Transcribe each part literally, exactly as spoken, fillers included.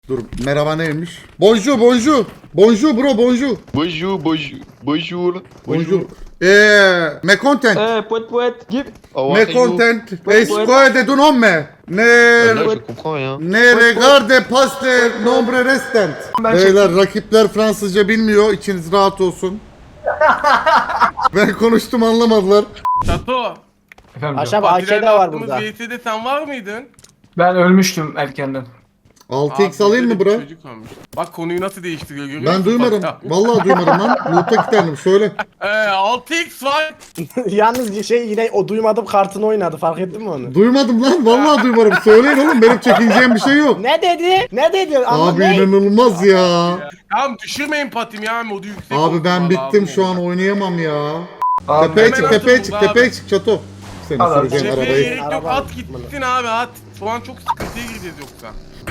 Dur merhaba neymiş? Bonjour bonjour. Bonjour bro bonjour. Bonjour, bonjour, bonjour, Bonjour. Eee me content. Eh, poète, poète, give. How Me are you? content. Ouais, Escoe de tu nome. Ah, Ne Là, je comprends rien. ne regarde paste nombre restant. Beyler rakipler Fransızca bilmiyor. İçiniz rahat olsun. Ben konuştum anlamadılar. Çato. Efendim Aşağı canım. bak A K de var burada. V T'de sen var mıydın? Ben ölmüştüm erkenden. altı x Abi, alayım mı böyle bir bro? Çocuk olmuş. Bak konuyu nasıl değiştiriyor görüyor Ben musun? duymadım. Bak ya. Vallahi duymadım lan. Loot'a gidelim söyle. Ee, altı x var. Yalnız şey yine o duymadım kartını oynadı fark ettin mi onu? Duymadım lan. Vallahi duymadım. Söyleyin oğlum benim çekineceğim bir şey yok. Ne dedi? Ne dedi? Ama Abi ne? inanılmaz ya. Tamam düşürmeyin patim ya modu yüksek Abi olsun ben vallahi bittim abi. şu an oynayamam ya. Abi, Tepeye hemen çık atın tepeye bunu çık abi. tepeye çık çato. Seni Abi, süreceğim Cepheye arabayı. gerek yok Araba- at gitsin abi at. Şu an çok sıkıntıya gireceğiz yoksa.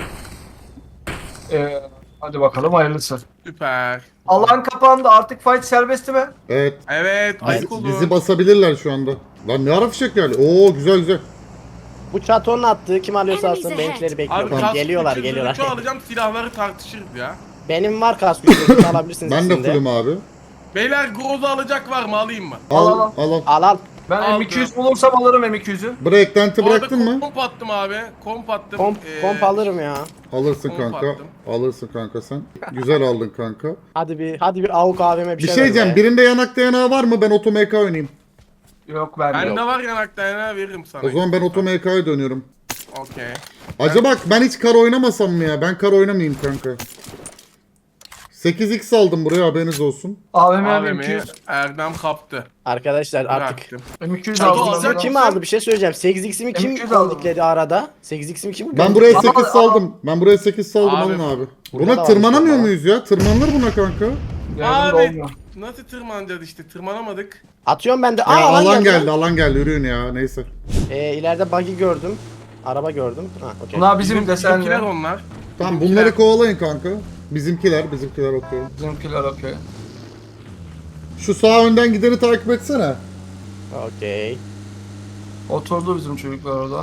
Ee, hadi bakalım hayırlısı. Süper. Alan kapandı artık fight serbest mi? Evet. Evet ayık Bizi, olun. bizi basabilirler şu anda. Lan ne ara fişek geldi? Oo güzel güzel. Bu çatonun attığı kim alıyorsa alsın benimkileri Abi bekliyorum. kask Geliyorlar gücü geliyorlar. zırhçı alacağım silahları tartışırız ya. Benim var kask gücü alabilirsiniz Ben de sizin de. fullüm abi. Beyler Groza alacak var mı alayım mı? Al Al, al. al al. Al al. Ben Aldım. M iki yüz bulursam alırım M iki yüzü. Breakdent'i Bu arada bıraktın mı? Komp attım abi. Komp attım. Komp, Ee, komp alırım ya. Alırsın Komp kanka. attım. Alırsın kanka sen. Güzel aldın kanka. Hadi bir hadi bir avuk A V M bir Bir şey şey ver diyeceğim. be. Birinde yanak dayanağı var mı? Ben Oto M K oynayayım. Yok bende Bende yok. var yanakta yana veririm sana. O zaman ben Oto M K'ya dönüyorum. Okey. Acaba ben hiç kar oynamasam mı ya? Ben kar oynamayayım kanka. sekiz x aldım buraya haberiniz olsun. A V M M iki A V M'yi yüz. Erdem kaptı. Arkadaşlar artık. Bıraktım. M iki yüz Çato aldım. alacak ben. Kim mısın? aldı bir şey söyleyeceğim. sekiz x'imi kim M iki yüz aldım. kondikledi arada? sekiz x'imi kim Ben buraya Ama- sekiz saldım. Ben buraya sekiz saldım Abi, alın abi. burada Buna da tırmanamıyor varmış muyuz ya? Tırmanılır buna kanka. Yardım da Abi olmuyor. nasıl tırmanacağız işte tırmanamadık. Atıyorum ben de. Aa Ya alan, alan geldi. geldi, alan geldi. Yürüyün ya neyse. Ee, ileride buggy gördüm. Araba gördüm. Ha, okey. Bunlar bizim Bizim desenli. bizimkiler onlar. Tamam Bizimkiler- bunları kovalayın kanka. Bizimkiler, bizimkiler okuyor. Bizimkiler okey. Şu sağ önden gideni takip etsene. Okey. Oturdu bizim çocuklar orada.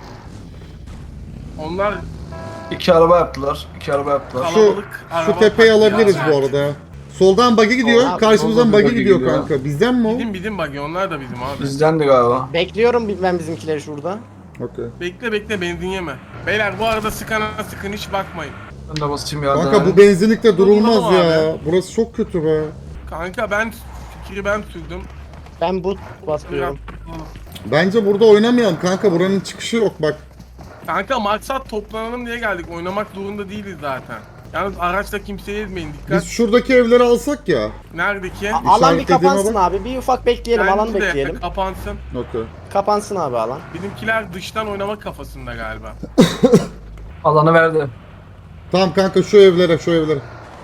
Onlar İki araba yaptılar. İki araba yaptılar. Şu, kalabalık. şu araba tepeyi parkı alabiliriz ya. bu arada. Soldan buggy gidiyor, Soldan- karşımızdan soldan bir buggy buggy gidiyor gidiyor. kanka. Bizden mi o? Bizim bizim bagi onlar da bizim abi. Bizdendi galiba. Bekliyorum ben bizimkileri şurada. Okey. Bekle bekle benzin yeme. Beyler bu arada sıkana sıkın hiç bakmayın. Ben de basayım ya. Kanka bu benzinlikte durulmaz Durulmaz ya. Burası çok kötü be. Kanka ben fikri ben sürdüm. Ben bu basıyorum. Bence burada oynamayalım kanka. Buranın çıkışı yok bak. Kanka maksat toplanalım diye geldik. Oynamak zorunda değiliz zaten. Yalnız araçla kimseye ezmeyin dikkat. Biz şuradaki evleri alsak ya. Neredeki? A- alan bir İşaretlediğime kapansın bak. abi. Bir ufak bekleyelim. Alan Bence de bekleyelim. Kapansın. Okey. Kapansın abi alan. Bizimkiler dıştan oynamak kafasında galiba. Alanı verdi. Tamam kanka şu evlere, şu evlere.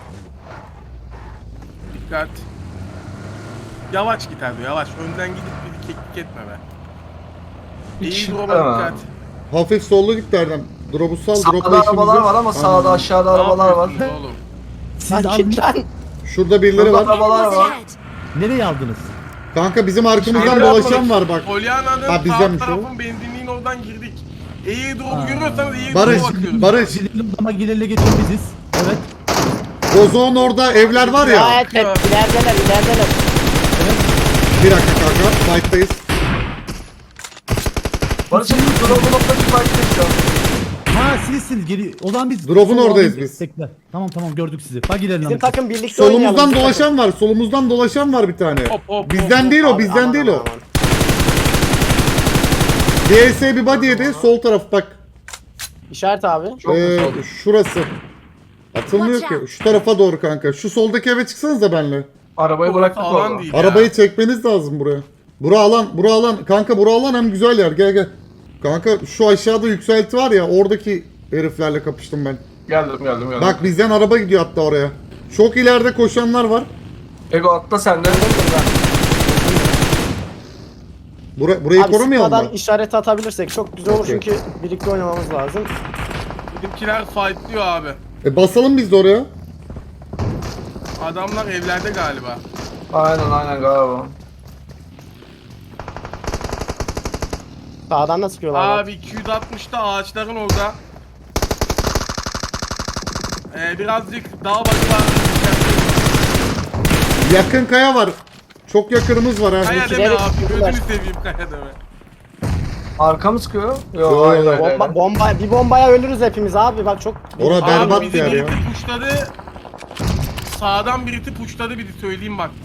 Dikkat. Yavaş git abi yavaş. Önden gidip bir keklik etme be. İyi Hiç duruma tamam. dikkat. Hafif sollu git Erdem. Drop'u sal, drop'la Sağda işimiz arabalar yok. var ama sağda Aynen. aşağıda Ne arabalar var. yapıyorsunuz oğlum? Lan git lan. Şurada birileri Burada var. arabalar var. Nereye aldınız? Kanka bizim arkamızdan Şöyle dolaşan yapmadık. var bak. Polyana'nın Ha, sağ bizdenmiş o. tarafın benzinliğin oradan girdik. İyi drop'u görüyorsanız iyi Barış, drop'a bakıyoruz. Barış. Gidelim ama gidelim geçin biziz. Evet. Bozok'un orada evler var ya. Gayet hep ilerideler ilerideler. Bir dakika kanka, fight'tayız. Barış'ın drop'u noktaki fight'tayız şu an. Ha sizsiniz geri. O zaman biz. Drop'un Sol oradayız alayım. biz. Bekle. Tamam tamam gördük sizi. Bak gidelim. Bizim lan. takım birlikte oynayalım. Solumuzdan bizim dolaşan var, solumuzdan dolaşan var bir tane. Hop, hop, Bizden hop, değil takım. o, bizden Aman, değil aman, o. aman. D S bir body yedi, sol taraf bak. İşaret abi. Çok Ee, güzel. şurası. Atılmıyor ki. Şu tarafa doğru kanka. Şu soldaki eve çıksanıza benle. Arabayı Burası bıraktık alan orada. değil ya. Arabayı çekmeniz lazım buraya. Bura alan, bura alan. Kanka bura alan hem güzel yer. Gel gel. Kanka şu aşağıda yükselti var ya, oradaki heriflerle kapıştım ben. Geldim geldim geldim. Bak bizden araba gidiyor hatta oraya. Çok ileride koşanlar var. Ego atla sen de. Bura, burayı Abi korumayalım sıkmadan mı? işaret atabilirsek çok güzel olur Okey. çünkü birlikte oynamamız lazım. Bizimkiler fightlıyor abi. E basalım biz de oraya. Adamlar evlerde galiba. Aynen aynen galiba. Sağdan da sıkıyorlar. bak. Abi iki yüz altmışta ağaçların orada. Ee, birazcık dağ başı var. Yakın kaya var. Çok yakınımız var ha. Kaya deme İkileri abi. tutuyorlar. Gözünü seveyim kaya deme. Arka mı sıkıyor? Yok Yo, hayır yo. hayır. hayır. Bomba, bomba, bir bombaya ölürüz hepimiz abi bak çok. Ora Abi berbat bizi bir yer ya. birisi puşladı. Sağdan birisi puşladı bizi söyleyeyim bak.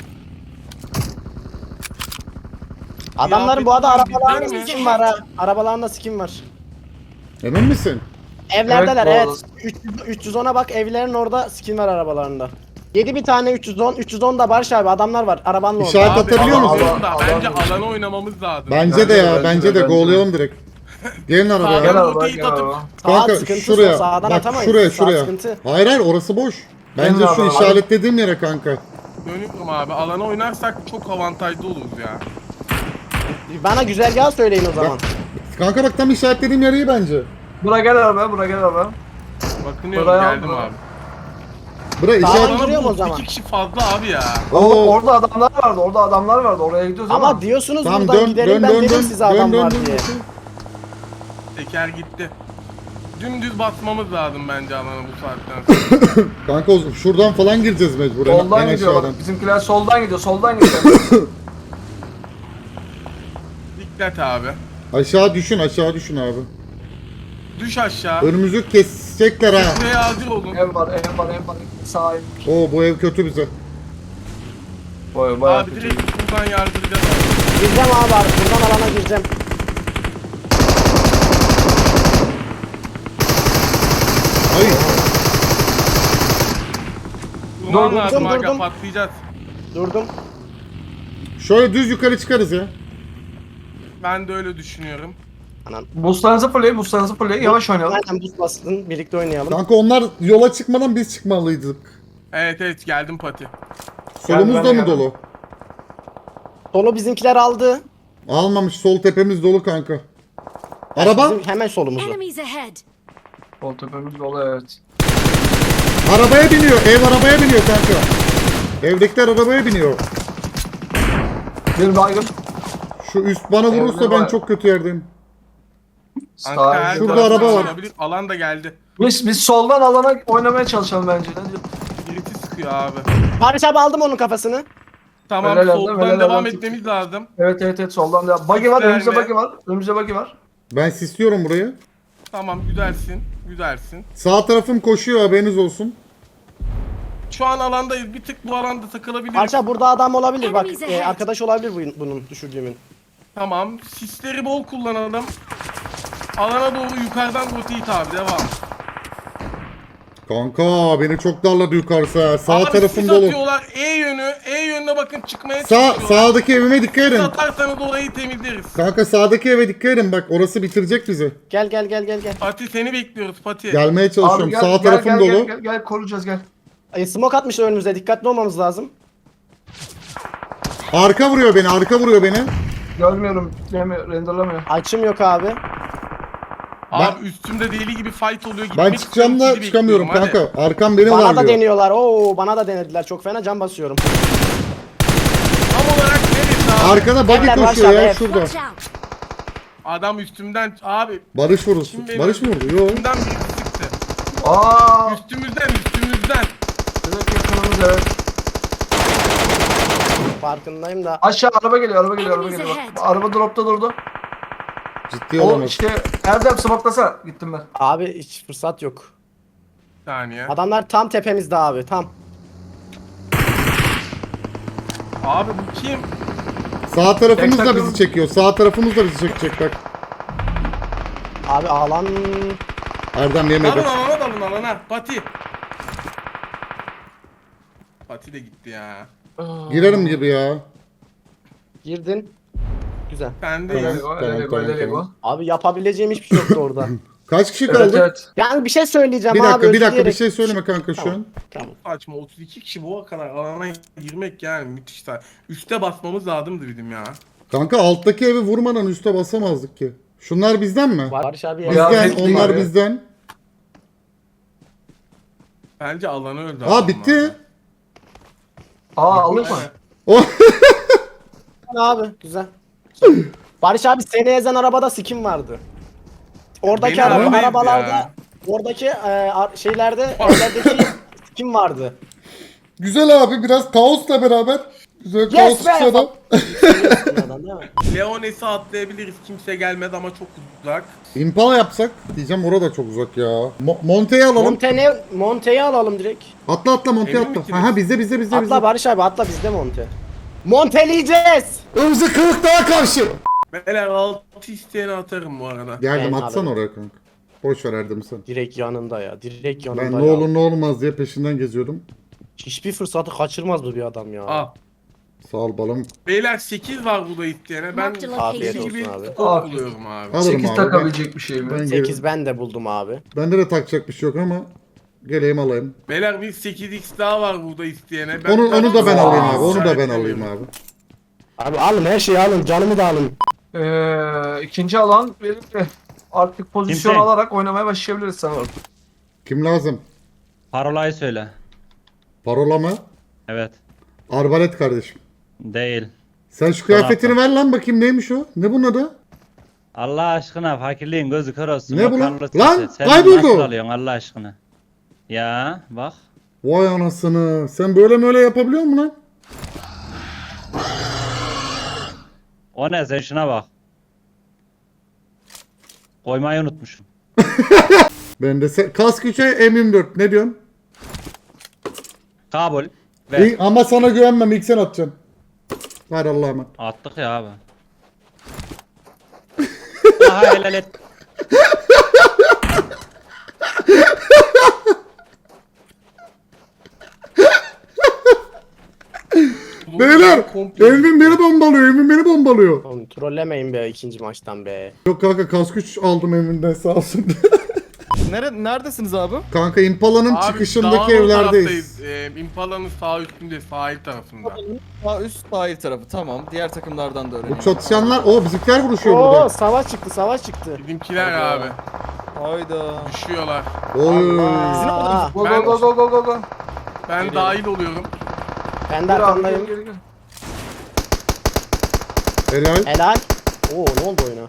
Adamların bu arada Kıyafetler arabalarında bizden mi? skin var ha. Arabalarında skin var. Emin misin? Evlerdeler Evet, evet. bu üç yüz, üç yüz ona bak evlerin orada skin var arabalarında. yedi bir tane üç yüz on. üç yüz on da Barış abi adamlar var. Arabanla orada. İşaret Abi, atabiliyor alan- musun? alan da, Alan- Bence alan- alana oynamamız lazım. Bence Bence de de, ya. bence Bence de, de bence de. go'layalım direkt. Gelin arabaya. Gel Sağdan araba roteyi gel atıp araba. Sağ Kanka sıkıntı, şuraya. sağdan Bak atamayız. şuraya Sağ şuraya. sıkıntı. Hayır hayır orası boş. Bence Gelin şu araba. işaretlediğim yere kanka. dönüyorum abi. Alana oynarsak çok avantajlı oluruz ya. Bana güzergahı söyleyin o zaman. Kanka bak tam işaretlediğim yer iyi bence. Bura gel araba, bura gel araba. Bakınıyorum Buraya geldim alma. abi. Bura Sağ işaret... ol. Duruyor mu o Bana bu zaman? iki kişi fazla abi ya. Oğlum Oo. orada adamlar vardı, orada adamlar vardı. Oraya gidiyoruz ama. Ama diyorsunuz Tamam buradan dön gidelim dön ben dön dedim dön. size adam Dön var dön diye. dön. Teker gitti. Dümdüz basmamız lazım bence alana bu saatten sonra. Kanka o- şuradan falan gireceğiz mecburen. Soldan en gidiyor aşağıdan. bak. Bizimkiler soldan gidiyor, soldan gidiyor. Dikkat abi. Aşağı düşün aşağı düşün abi. Düş aşağı. Önümüzü kesecekler ha. Buraya hazır olun. ev var, ev var, ev var. Sağ ev. Oo bu ev kötü bize. Boy, bayağı Abi kötü. direkt buradan yardıracağız. Gireceğim abi abi buradan alana gireceğim. Ay Durman Durdum, lazım aga durdum. patlayacağız. Durdum. şöyle düz yukarı çıkarız ya. Ben de öyle düşünüyorum. Anam. Boostlarınızı fırlayın, boostlarınızı fırlayın. Yavaş oynayalım. Aynen buz bastın birlikte oynayalım. Kanka onlar yola çıkmadan biz çıkmalıydık. Evet evet geldim pati. Solumuz ben da de mı geldim. dolu? Solu bizimkiler aldı. Almamış sol tepemiz dolu kanka. Araba? Bizim hemen solumuzda. Enemies ahead. Sol tepemiz dolu evet. Arabaya biniyor. Ev arabaya biniyor kanka. Evdekiler arabaya biniyor. Bir baygın. Şu üst bana vurursa Evde ben var. çok kötü yerdeyim. Anka her Sağ Şurada taraftan araba var. oynanabilir. Alan da geldi. Biz, biz soldan alana oynamaya çalışalım bence. Ne diyorsun? Birisi sıkıyor abi. Barış abi aldım onun kafasını. Tamam Helal olsun, soldan helal devam olsun. etmemiz lazım. Evet evet evet soldan devam. Buggy var, önümüzde Gösterme. buggy var. Önümüzde buggy var. Ben sisliyorum burayı. Tamam güzelsin. Güzelsin. Sağ tarafım koşuyor haberiniz olsun. Şu an alandayız. Bir tık bu alanda takılabiliriz. Barış abi burada adam olabilir bak. Enemies e, ahead. arkadaş olabilir bu- bunun düşürdüğümün. Tamam. Sisleri bol kullanalım. Alana doğru yukarıdan rotate abi. Devam. Kanka beni çok darladı yukarısı ha. Sağ Abi tarafım sis dolu. atıyorlar. E yönü. E yönüne bakın çıkmaya Sağ, çalışıyorlar. sağdaki evime dikkat Sis edin. atarsanız orayı temizleriz. Kanka sağdaki eve dikkat edin bak orası bitirecek bizi. Gel gel gel gel gel. Pati seni bekliyoruz Pati. Gelmeye çalışıyorum. Abi gel, Sağ gel, tarafım gel, dolu. Gel, gel, gel, koruyacağız gel. E, smoke atmışlar önümüze dikkatli olmamız lazım. Arka vuruyor beni, arka vuruyor beni. Görmüyorum, görmüyor, renderlamıyor. Açım yok abi. Abi üstümde deli gibi fight oluyor. Ben Gitmek çıkacağım istiyorum, da sizi çıkamıyorum bekliyorum, hadi. kanka. Arkam beni Bana da darlıyor. deniyorlar. Oo bana da denediler. Çok fena can basıyorum. Tam olarak neresi abi? Arkada buggy Evler koşuyor başlar, ya evet. şurada. Watch out. Adam üstümden abi Barış vurdu. Kim beni- Barış mı vurdu? Yok. üstümden biri sıktı. Aa, Üstümüzden üstümüzden. direkt yakınımız evet. Farkındayım da. Aşağı araba geliyor, araba geliyor, araba Enemies geliyor. ahead. Bak, araba dropta durdu. Ciddi O olamaz. işte Erdem smoklasa gittim ben. Abi hiç fırsat yok. Bir saniye. Adamlar tam tepemizde abi tam. Abi bu kim? Sağ tarafımız Tek da takım- bizi çekiyor. Sağ tarafımız da bizi çekecek bak. Abi alan Erdem yemedi. Dalın alana dalın alana. Pati. Pati de gitti ya. Girerim gibi ya. girdin. Güzel. Ben de Tamam. Öyle go, tamam, öyle go, tamam, öyle go. tamam. Abi yapabileceğim hiçbir şey yoktu orada. Kaç kişi Evet kaldı? evet. Yani bir şey söyleyeceğim Bir abi. dakika, bir dakika bir özleyerek- şey söyleme kanka şu Tamam. an. Tamam. saçma. otuz iki kişi bu kadar alana girmek yani müthiş. sa- Üste basmamız lazımdı bizim ya. Kanka alttaki evi vurmadan üste basamazdık ki. Şunlar bizden mi? Barış abi Ya, Bizden, bitti onlar ya. bizden. Bence alanı öldü. Aa bitti. Aa aldık mı? O abi güzel. Barış abi seni ezen arabada skin vardı. Oradaki Beni araba, aramayız arabalarda ya. Oradaki e, ar- şeylerde evlerdeki kim vardı? Güzel abi, biraz kaosla beraber. Güzel kaos Yes be! çıkıyor adam. Adam değil mi? Leones'i atlayabiliriz. Kimse gelmedi ama çok uzak. Impala yapsak diyeceğim, orada çok uzak ya. Mo- Monte'yi alalım. Monte ne? Monte'yi alalım direkt. atla atla Monte'yi Emin atla. misiniz? Aha bizde bizde bizde bizde. Atla Barış abi atla bizde Monte. Monteleyeceğiz. Önümüze kırık daha karşı. Beyler altı isteyeni atarım bu arada. Geldim, Ben atsan abi. oraya kanka. Boş ver Erdem sen. Direkt yanında ya. Direkt yanında Ben ya. ne olur ne olmaz diye peşinden geziyordum. Hiçbir fırsatı kaçırmaz bu bir adam ya. Al. Sağ ol balım. Beyler sekiz var burada isteyene. Ben Marked a Afiyet iki location. olsun gibi abi. top buluyorum abi. Alırım sekiz abi. takabilecek bir şey mi? Ben, ben sekiz ben de buldum abi. Bende de takacak bir şey yok ama geleyim alayım. Beyler bir sekiz x daha var burada isteyene. Onu onu da ben Aa, alayım abi. Onu da ben işaretlemiyorum. alayım abi. Abi alın her şeyi alın. Canımı da alın. Ee, ikinci alan verildi. Artık pozisyon Kimse? alarak oynamaya başlayabiliriz sanırım. Kim lazım? Parolayı söyle. Parola mı? Evet. Arbalet kardeşim. Değil. Sen şu kıyafetini ver lan bakayım, neymiş o? Ne bunun adı? Allah aşkına fakirliğin gözü kör olsun. Ne O bu lan? Carlos Lan, Tete. Sen kayboldu. Nasıl alıyorsun Allah aşkına? Ya bak. Vay anasını. Sen böyle mi öyle yapabiliyor musun lan? O ne sen şuna bak. Koymayı unutmuşum. Ben de se- kask üçe M yirmi dört. Ne diyorsun? Kabul. Ver. İyi, ama sana güvenmem. İlk sen atacaksın. Ver Allah'a emanet. Attık ya abi. Aha helal et. Beyler! Komple- Evin beni bombalıyor. Evin beni bombalıyor. Oğlum trollemeyin be ikinci maçtan be. Yok kanka, kask üç aldım evinden, sağ olsun. Nere neredesiniz abi? Kanka Impala'nın Abi, çıkışındaki dağın o evlerdeyiz. taraftayız. Ee, Impala'nın sağ üstünde, sahil tarafında. Sağ üst sahil tarafı tamam. Diğer takımlardan da Bu öğrenelim. çatışanlar, o bizimkiler vuruşuyor Oo burada. savaş çıktı savaş çıktı. Bizimkiler Hayda. abi. Hayda. Düşüyorlar. Oy. Aa, Go Ben- go go go go go go. Ben dahil oluyorum. ben de Gel abi, arkandayım. gel, gel, gel. Helal. Helal. Oo ne oldu oyuna?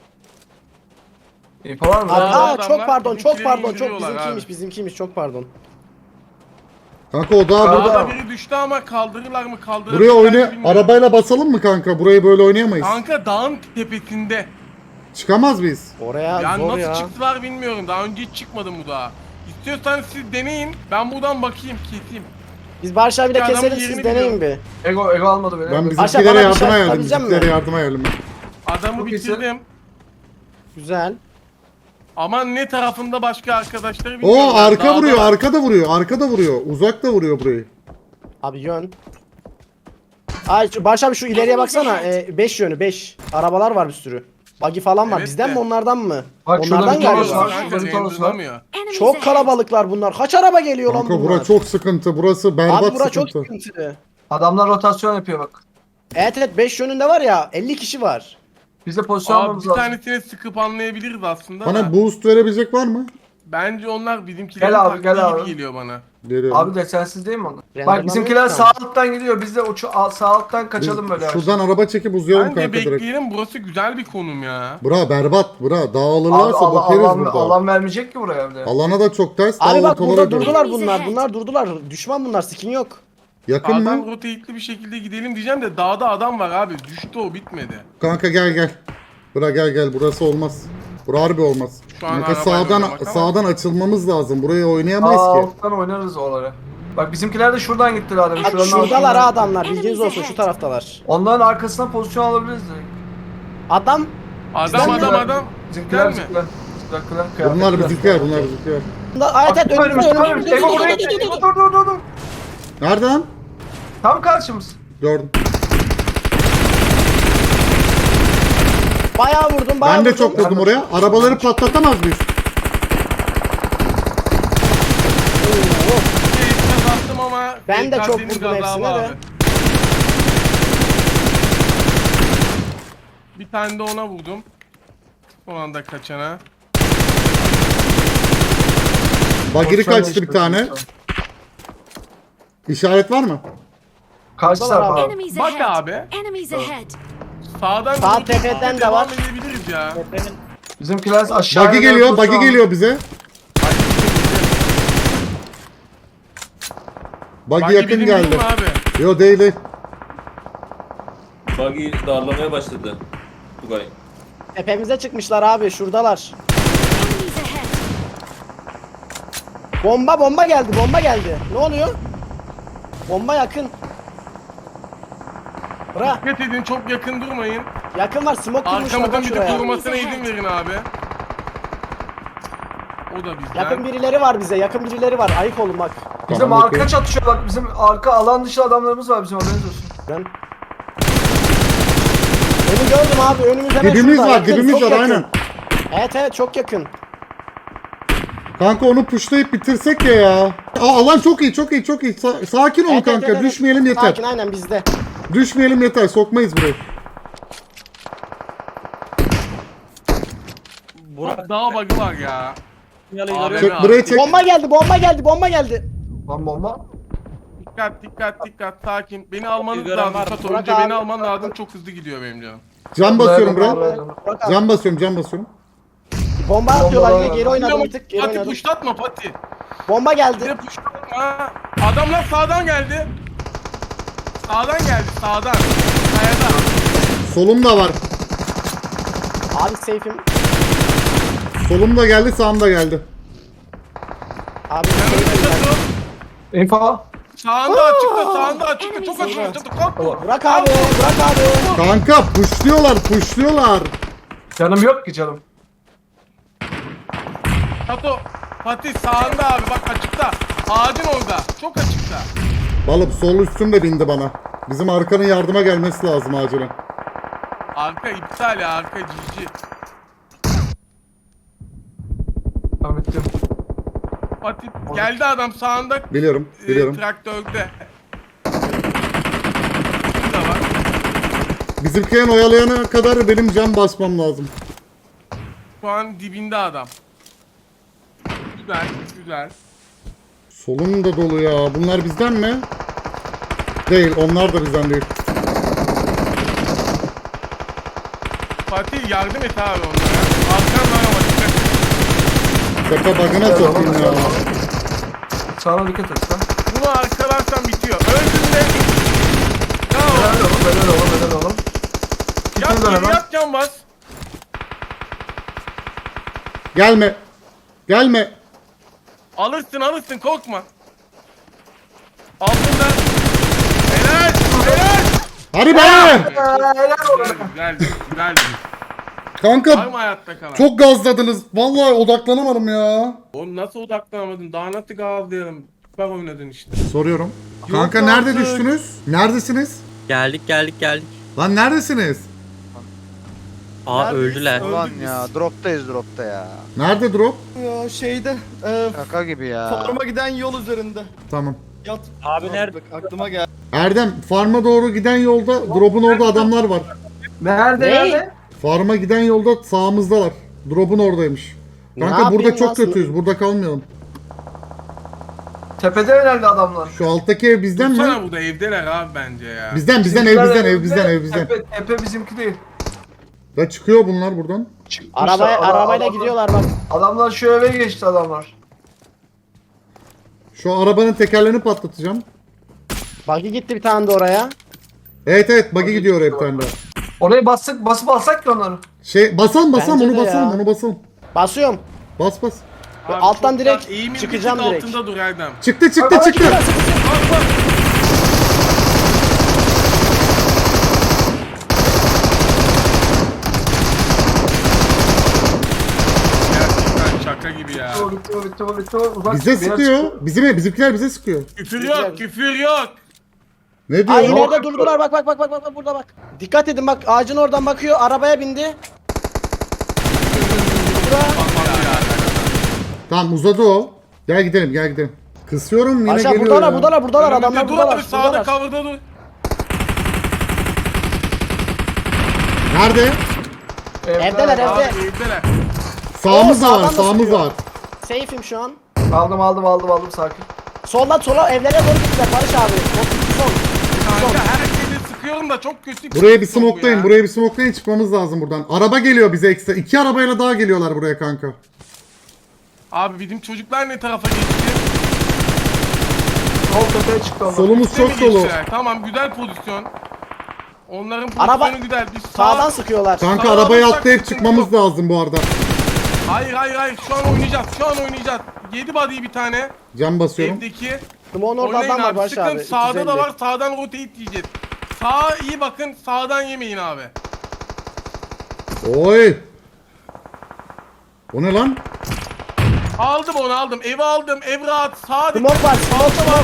İyi var mı? Aa, adamlar çok pardon çok bizimkileri pardon çok indiriyorlar bizimkiymiş abi. bizimkiymiş çok pardon. Kanka o daha burada. Dağda biri düştü ama kaldırırlar mı kaldırırlar Buraya mı oyna bilmiyorum. arabayla basalım mı kanka? Burayı böyle oynayamayız. Kanka dağın tepesinde. Çıkamaz mıyız? Oraya Yani zor nasıl ya. çıktılar bilmiyorum. Daha önce hiç çıkmadım bu dağa. İstiyorsanız siz deneyin. Ben buradan bakayım, keseyim. Biz Barış abiyle Adamın keselim yerini siz deneyin bir. Ego ego almadı beni. Ben Aşağı bizimkilere bana bir yardıma şey geldim. yapabilecek Bizimkilere misin? yardıma geldim. Adamı Çok iyisin. bitirdim. Güzel. Ama ne tarafında başka arkadaşları bilmiyorum. O arka Dağda vuruyor, var. arka da vuruyor, arka da vuruyor. Uzak da vuruyor burayı. Abi yön. Ay şu- Barış abi şu ileriye baksana. beş yönü beş. Arabalar var bir sürü. Buggy falan var. Evet Bizden de. mi onlardan mı? Bak şurada onlardan bir tane galiba. var. Kanka, Şurada bir tanesi var. renderlamıyor. Enemies Çok ahead. kalabalıklar bunlar. Kaç araba geliyor lan Kanka bunlar? bura çok sıkıntı. Burası berbat Abi bura çok sıkıntı. sıkıntı. Adamlar rotasyon yapıyor bak. Evet evet beş yönünde var ya elli kişi var. Biz de pozisyon Abi almamız bir lazım. tanesini sıkıp anlayabiliriz aslında Bana da. boost verebilecek var mı? Bence onlar bizimkilerin Gel abi, taktiği gel gibi abi. geliyor bana. Geliyorum. Abi de sensiz değil mi onlar? Renderlanmıyor Bak bizimkiler ki sağ ama. alttan gidiyor. Biz de uçu al- sağ alttan Biz kaçalım böyle. yavaş. şuradan araba çekip uzayalım Bence kanka direkt. bekleyelim, burası güzel bir konum ya. Bura berbat, bura. Abi Dağılırlarsa Allah, bakeriz alan, burada. alan vermeyecek ki buraya evde. Alana da çok ters. Abi Dağ bak burada ortalara dön. durdular Enemies bunlar. ahead. Bunlar durdular. Düşman bunlar. Skin yok. Yakın Sağdan mı? rotate'li bir şekilde gidelim diyeceğim de dağda adam var abi. Düştü o bitmedi. Kanka gel gel. Bura gel gel. Burası olmaz. Bura harbi olmaz. Şu an Kanka arabayla sağdan oynamak ama- sağdan açılmamız lazım. Burayı oynayamayız Aa, ki. alttan oynarız oraları. Bak bizimkiler de şuradan gittiler adam. Bak Şuranın şuradalar altından. ha adamlar. Bilginiz olsun şu taraftalar. Onların arkasına pozisyon alabiliriz direkt. Adam Adam Bizden adam mi? adam. Bizimkiler Bizden mi? bizimkiler. Bizimkiler, Bunlar kıyafetliler. bizimkiler, bunlar bizimkiler. Evet evet Bak, önümüzde önümüzde, önümüzde. Ego buraya gel. Ego, dur dur dur dur. Nerede lan? Tam karşımız. Gördüm. Bayağı vurdum bayağı Ben de vurdum. çok vurdum oraya. Arabaları patlatamaz mıyız? Keyifle bastım ama Ben de çok P K S'nin vurdum gazabı hepsine de. abi. Bir tane de ona vurdum. Son anda kaçana. Bagiri Pozisyon kaçtı bir değiştirdik tane. şu an. İşaret var mı? Karşı Buradalar tarafa. abi. Enemies Bak ahead. abi. Enemies ahead. Sağdan Sağ rotate tepeden de devam var. edebiliriz ya. Bizimkiler aşağı Buggy geliyor, buggy geliyor bize. Buggy Buggy yakın bizim geldi. değil mi abi? Yo değil değil. Buggy darlamaya başladı. Tugay. Tepemize çıkmışlar abi şuradalar. Enemies ahead. Bomba bomba geldi bomba geldi. Ne oluyor? Bomba yakın. Bırak. Dikkat edin, çok yakın durmayın. Yakın var smoke kurmuşlar Arkamızdan bak bir de şuraya. korumasına izin verin abi. O da bizden. Yakın birileri var bize yakın birileri var. Ayık olun bak. Bizim Tamam, arka okey. çatışıyor bak. Bizim arka alan dışı adamlarımız var bizim haberiniz olsun. Ben... Önü gördüm abi önümüz hemen Dibimiz şurada. var Yakın, dibimiz çok var yakın. aynen. Evet evet çok yakın. Kanka onu pushlayıp bitirsek ya ya. Aa, alan çok iyi çok iyi çok iyi. Sa- sakin olun Evet, evet, kanka evet, evet. düşmeyelim yeter. Sakin aynen bizde. Düşmeyelim yeter sokmayız burayı. Burak daha bug'ı var ya. Sinyalı Abi, görüyorum. Çek buraya çek. Bomba geldi bomba geldi bomba geldi. Lan bomba. Dikkat dikkat dikkat sakin. Beni almanız Gören lazım. var mı? Sato Burak önce abi. beni alman lazım. Çok hızlı gidiyor benim canım. Cam basıyorum Buraya, buraya. buraya. Bak abi. Cam basıyorum cam basıyorum. Bomba atıyorlar Bomba yine var. geri oynadım bir Pati tık geri oynadım. puşlatma Pati. Bomba Bir de geldi. puşlatma. Adamlar sağdan geldi. Sağdan geldi sağdan. Kayada. Solum da var. Abi safe'im. Solum da geldi sağım da geldi. Abi Yanımda safe'im ben. Sato. Info. Sağında açıkta sağında açıkta. Çok açıkta. Sato kalk. Bırak abi bırak abi. Kanka pushluyorlar pushluyorlar. Canım yok ki canım. Sato. Pati sağında abi bak açıkta. Ağacın orada. Çok açıkta. Balım sol üstüm de bindi bana. Bizim arkanın yardıma gelmesi lazım acilen. Arka iptal ya arka cici. Tamam bittim. Pati geldi adam sağında. Biliyorum e, biliyorum. traktörde. Bu da var. Bizimkilerin oyalayana kadar benim cam basmam lazım. Şu an dibinde adam. Güzel, güzel. Solum da dolu ya. Bunlar bizden mi? Değil, onlar da bizden değil. Fatih yardım et abi onlara. Arkan var ama dikkat et. Tepe bug'ına sokayım ya. Sağına dikkat et lan. Bunu arkalarsan bitiyor. Öldün de. Bravo. Helal oğlum helal oğlum helal oğlum. Yat Gitmeden geri hemen. yat can bas. Gelme. Gelme. Alırsın alırsın korkma. Altında. Helal. Helal. Hadi be! Güzel güzel güzel. Var Kanka mı hayatta kalan? çok gazladınız. Vallahi odaklanamadım ya. Oğlum nasıl odaklanamadın? Daha nasıl gazlayalım? Süper oynadın işte. Soruyorum. Kanka Yok nerede artık. düştünüz? Neredesiniz? Geldik geldik geldik. Lan neredesiniz? Aa Neredeyiz? öldüler. Öldük Ulan biz. ya droptayız dropta ya. Nerede drop? Ya şeyde. E, Şaka gibi ya. Forma giden yol üzerinde. Tamam. Yat. Abi nerede? Bak, aklıma geldi. Erdem, farma doğru giden yolda drop'un orada adamlar var. Nerede Ne? nerede? Farma giden yolda sağımızdalar. Drop'un oradaymış. Ne Kanka burada yapayım çok lan? kötüyüz. Burada kalmayalım. Tepede herhalde adamlar. Şu alttaki ev bizden Dursana mi? burada evdeler abi bence ya. Bizden bizden ev Bizimkiler bizden ev evde, bizden ev bizden. Tepe, tepe bizimki değil. Ya çıkıyor bunlar buradan. Çıkmışlar, Arabaya, adam- arabayla adamlar- gidiyorlar bak. Adamlar şu eve geçti adamlar. Şu arabanın tekerlerini patlatacağım. Buggy gitti bir tane de oraya. Evet evet buggy gidiyor oraya bir tane daha. Orayı bastık, basıp alsak ki onları. Şey basalım basalım Bence onu de basalım ya. onu basalım. Basıyorum. Bas bas. Abi alttan çok direkt da- eğimin bir çıkacağım tık direkt. altında dur Erdem. Çıktı çıktı Bak, çıktı. Bak bak. Gerçekten şaka gibi ya. Bitti, bitti, bitti, bitti. Uzak Bize bir yer sıkıyor. çıkıyor. Bizim bizimkiler bize sıkıyor. Küfür yok, küfür yok. Ne diyor? Ay lan? ileride durdular bak bak bak bak bak burada bak. Dikkat edin bak ağacın oradan bakıyor arabaya bindi. Bura. Tamam uzadı o. Gel gidelim gel gidelim. Kısıyorum yine Aşağı geliyor buradalar ya. buradalar buradalar Önümüzde adamlar dur buradalar. abi, sağda buradalar. cover'da dur. Nerede? Evdeler Abi evde. evdeler. Sağımız Oo, da var sağdan da sağımız sıkıyor. da var. Safe'im şu an. Aldım, aldım, aldım, aldım sakin. Soldan sola evlere doğru gittiler Barış abi. Sol. Sol. Kanka herkesi sıkıyorum da çok kötü. Buraya bir sıkıyorum smoklayın ya. buraya bir smoklayın çıkmamız lazım buradan. Araba geliyor bize ekstra. İki arabayla daha geliyorlar buraya kanka. Abi bizim çocuklar ne tarafa geçti? Sol tepeye çıktı onlar. Solumuz çok Üste mi dolu. geçtiler? Tamam güzel pozisyon. Onların pozisyonu Araba- güzel. Biz sağ- Sağdan sıkıyorlar. Kanka Sağa arabaya alırsak atlayıp sıkıntı çıkmamız yok. lazım bu arada. Hayır hayır hayır şu an oynayacağız. Şu an oynayacağız. Yedi body'yi bir tane. Cam basıyorum. Evdeki. Simon orada Oynayın adam var abi. Barış Sıkın. abi. Sağda iki yüz da elli. var. Sağdan rotate yiyeceğiz. Sağa iyi bakın. Sağdan yemeyin abi. Oy. O ne lan? Aldım onu aldım. Evi aldım. Ev rahat. Sağ Smoke var, smoke smoke.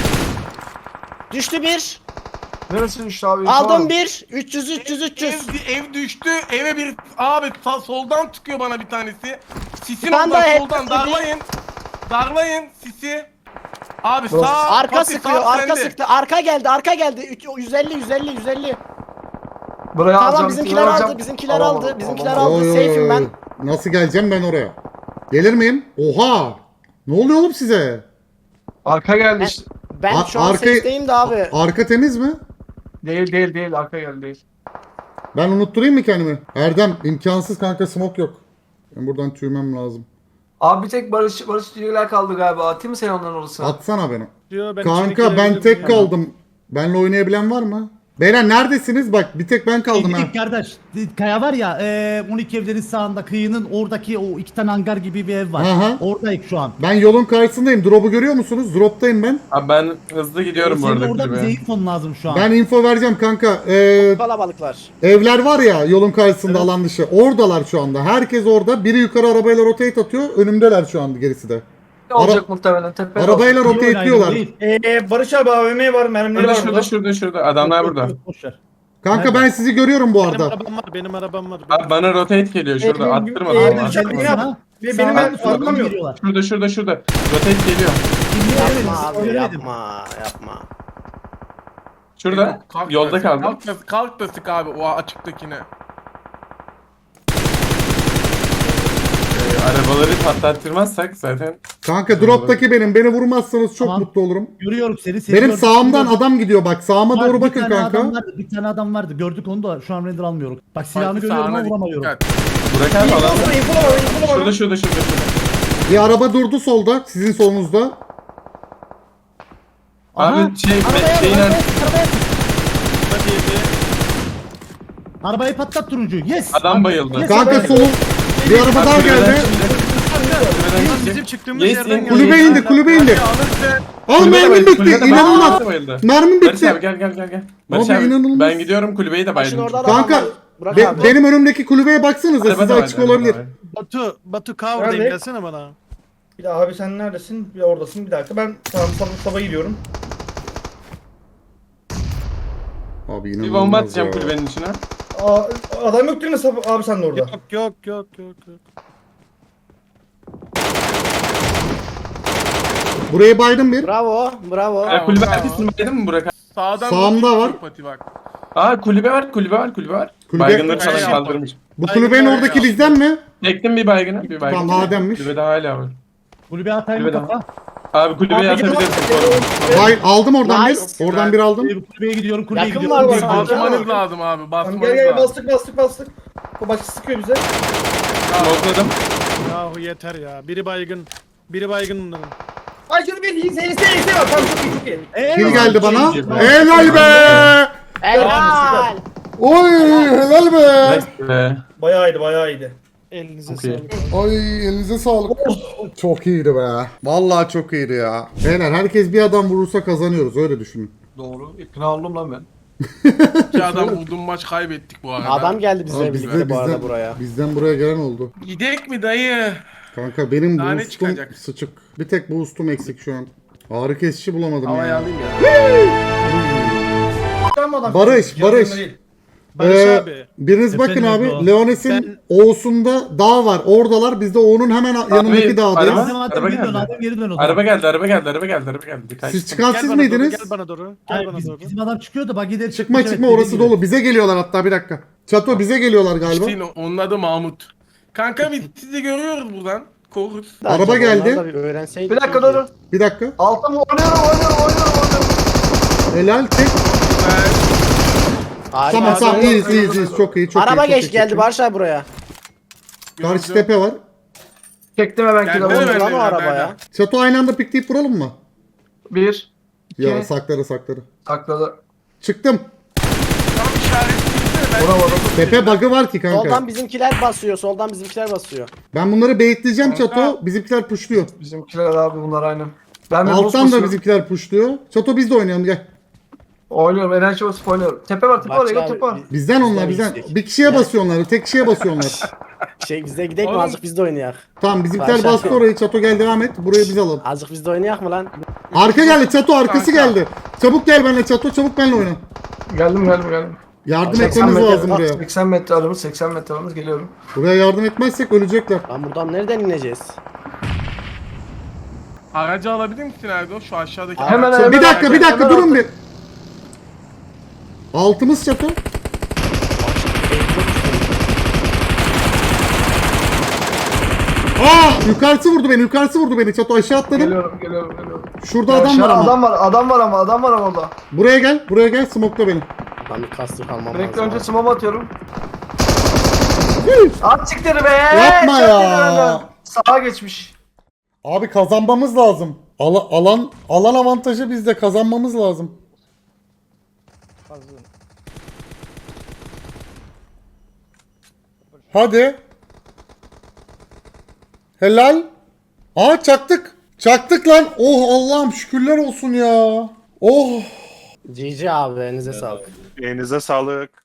Düştü bir. Neresi düştü abi? İnfo var Aldım mı? bir. üç yüz üç yüz üç yüz. Ev, ev düştü. Eve bir abi sağ- soldan çıkıyor bana bir tanesi. Sisin Bir tane oradan daha soldan hep- darlayın. Darlayın sisi. Abi Burası- sağ Arka Fatih, sıkıyor, sağ arka sende. sıktı. Arka geldi, arka geldi. Üç- yüz elli yüz elli yüz elli. Buraya Tamam alacağım. bizimkiler buraya aldı, alacağım. bizimkiler Alamam, aldı, bizimkiler alamam. aldı. Oy, oy, Safe'im oy. ben. Nasıl geleceğim ben oraya? Gelir miyim? Oha! Ne oluyor oğlum size? Arka geldi işte. Ben A- şu an arkayı- safe'deyim de abi. Arka temiz mi? Değil değil değil arka geldi değil. Ben unutturayım mı kendimi? Erdem imkansız kanka, smoke yok. Ben buradan tüymem lazım. Abi bir tek Barış Barış Cüceler kaldı galiba. Atayım mı sen onların orasına? Atsana beni. Diyor, ben Kanka içeri ben girebilirim tek ya. kaldım. Benle oynayabilen var mı? Beyler neredesiniz? Bak bir tek ben kaldım ha. Gittik kardeş. Kaya var ya e, on iki evlerin sağında kıyının oradaki o iki tane hangar gibi bir ev var. Aha. Oradayız şu an. Ben yolun karşısındayım. Drop'u görüyor musunuz? Drop'tayım ben. Abi ben hızlı gidiyorum bu Senin arada orada bize kulübe. infon lazım şu an. Ben info vereceğim kanka. Ee, Kalabalıklar. evler var ya yolun karşısında alan dışı. Oradalar şu anda. Herkes orada. Biri yukarı arabayla rotate atıyor. Önümdeler şu anda gerisi de. Ne olacak muhtemelen tepede. Arabayla İyi oyun, rotateliyorlar. değil. Ee, Barış abi A V M var, mermileri Şurada var şurada burada. şurada şurada adamlar burada. Boş ver. Kanka Nerede? ben sizi görüyorum bu Benim arada. arabam var, benim arabam var. Abi bana rotate geliyor şurada Ee, attırma e, bana. Barış abi, attırma. ne Sana- yap- Ve sana benim ben soldan arabam yok. geliyorlar. Şurada şurada şurada rotate geliyor. Yapma abi, Söylemedim. yapma, yapma. Şurada Kalk da yolda sık, kaldım. Kalk da, kalk da sık abi o açıktakine. Ee, arabaları patlattırmazsak zaten Kanka drop'taki benim. Beni vurmazsanız çok Tamam. mutlu olurum. Görüyorum seni. seni Benim gördüm, sağımdan seni adam gidiyor bak. Sağıma gördüm. doğru Var, bakın bir tane Adam kanka. vardı, bir tane adam vardı. Gördük onu da şu an render almıyoruz. Bak silahını Fatih, görüyorum sağına ama vuramıyorum. dikkat. Burak abi alan. Info var, info var, info var. Şurada şurada şurada şurada. Bir araba durdu solda. Sizin solunuzda. Aha, Abi şey arabaya, şeyin arabaya, ar- arabaya. Hadi yedi. Arabayı patlat turuncu. Yes. adam bayıldı. Yes, Kanka arabaya. solun. Bir araba daha Kulübeden geldi. şimdi- kulübeden Bizim şimdi- çıktığımız Yes, yerden in- geldi. Kulübe indi, kulübe indi. Alırsın. Al Kulübe de mermim bayıldı, bitti. kulübe de İnanılmaz. bayıldı, bayıldı. Mermim Barış abi bitti. gel gel gel gel. Barış Abi, abi, inanılmaz. ben gidiyorum kulübeyi de Başın baydım. orada adam Kanka var. Bırak be- abi. benim önümdeki kulübeye baksanıza. Araba Size da var, açık araba da olabilir. var. Batu, Batu cover'dayım, Nerede? gelsene bana. Bir de abi sen neredesin? Bir de oradasın. Bir dakika ben tamam sabah sabah gidiyorum. Abi Bir inanılmaz bomba atacağım ya. kulübenin içine. Aa, adam yok değil mi Sabah- abi sen de orada? Yok yok yok yok yok. Buraya baydım bir. Bravo, bravo. Ya, kulübe bravo. arkasını baydın mı Burak abi? Sağdan Sağımda rotate var. yiyor Fatih bak. Aa kulübe var kulübe var kulübe var. Kulübe- Baygınları falan Kulübe- kaldırmış. Bu kulübenin Baygın oradaki var ya. bizden mi? Çektim bir baygını bir baygını. Tamam, Adem'miş. Kulübede hala var. Kulübe atayım mı Kulübeden. kafa? Abi kulübeye Abi, atabilirsin bu arada. Bay aldım oradan Nice. bir. Oradan bir aldım. Kulübe- Kulübeye gidiyorum. Kulübeye Yakın gidiyorum. var kulübeye bana. gidiyorum. Basmanız lazım abi Tamam basmanız gel gel lazım. bastık bastık bastık. O başka sıkıyor bize. Smokladım. Yahu yeter ya. Biri baygın. Biri baygın bunların. Ay canım bir iyisi iyisi iyisi var. Tamam çok iyi çok iyi. Kim geldi bana? ikinci. Helal be! Helal. Oy helal be! Ve Bayağı iyiydi bayağı iyiydi. Elinize Çok iyi. sağlık. Ay elinize sağlık. Çok iyiydi be. Vallahi çok iyiydi ya. Beyler herkes bir adam vurursa kazanıyoruz öyle düşünün. doğru. İkna oldum lan ben. İki adam vurdum maç kaybettik bu arada. Adam geldi bizle Abi birlikte bizden, bu arada bizden, buraya. bizden buraya gelen oldu. Gidek mi dayı? Kanka benim Daha ne boostum çıkacak? sıçık. Bir tek boostum eksik şu an. Ağrı kesici bulamadım Havaya ya. alayım ya. Tamam adam. Barış, Yardım Barış. değil. Barış Ee, abi. Biriniz bakın Efendim abi. Ego? Leones'in O'sunda dağ var. Oradalar. Biz de O'nun hemen yanındaki dağdayız. araba- Adem Adem Araba geri dön. geldi. Adem geri dön o zaman. Araba geldi araba geldi araba geldi araba geldi. Bir kaç. Siz çıkan Gel siz bana doğru, miydiniz? Gel bana doğru. Gel Hayır, bana biz- doğru. bizim adam çıkıyordu. Bak gider Çıkma çıkmış, çıkma evet, orası dediğin gibi. dolu. Bize geliyorlar hatta bir dakika. Çato bize geliyorlar galiba. İşte onun adı Mahmut. Kanka biz sizi görüyoruz buradan. Koruruz. Araba Acaba geldi. onlar da bir öğrenseydik. Bir dakika çok iyi. dur. Bir dakika. Alttan oynuyorum oynuyorum oynuyorum oynuyorum. Helal tek. Harika. Tamam tamam Araba- iyiyiz iyiyiz iyiyiz. Çok iyi çok iyi. Araba çok geç iyi, geldi çok iyi. Barış abi buraya. Karşı tepe var. Çektim hemen Gel, kilo. gel, Oldu gel. lan o nerede? arabaya. Çato aynı anda pikleyip vuralım mı? Bir. Ya İki. sakları sakları. Sakladı. Çıktım. Tam işaretleyince ben... Vuramadım. Tepe bug'ı var ki kanka. Soldan bizimkiler basıyor. Soldan bizimkiler basıyor. Ben bunları baitleyeceğim Kanka. Çato. Bizimkiler pushluyor. Bizimkiler abi bunlar aynı. Ben bir boost Alttan da basıyorum. bizimkiler pushluyor. Çato biz de oynayalım gel. Oynuyorum. Enerji basıp oynuyorum. Tepe var tepe var. Bak Ego abi, tepe var. bir- Bizden onlar Bizden bizden. gidecek. Bir kişiye basıyorlar. Tek kişiye basıyorlar. Şey bizde gidelim mi Oğlum. azıcık biz de oynayak. Tamam bizimkiler Başak. bastı orayı. Çato gel devam et. Burayı biz alalım. Azıcık biz de oynayak mı lan? Arka geldi Çato arkası Kanka. geldi. Çabuk gel benimle Çato çabuk benimle oyna. Geldim geldim geldim. Yardım seksen etmemiz metre- lazım buraya. seksen metre aramız seksen metre aramız geliyorum. Buraya yardım etmezsek ölecekler. Lan buradan nereden ineceğiz? Aracı alabilir misin Erdo? Şu aşağıdaki Hemen araç. hemen. Bir dakika bir dakika hemen durun atla. bir. Altımız Çato. Aa yukarısı vurdu beni yukarısı vurdu beni Çato aşağı atladım. Geliyorum geliyorum geliyorum. Şurada Ya adam aşağı var ama. Adam var adam var ama adam var ama orada. Buraya gel buraya gel smokla beni. Lan bir kastır kalmam Direkt lazım. önce smoke atıyorum. At çıktı be. Yapma Çok ya. iyi önden. Sağa geçmiş. Abi kazanmamız lazım. Ala- alan alan avantajı bizde kazanmamız lazım. Hadi. Helal. Aa çaktık. Çaktık lan. Oh Allah'ım şükürler olsun ya. Oh. G G abi elinize sağlık. Elinize sağlık.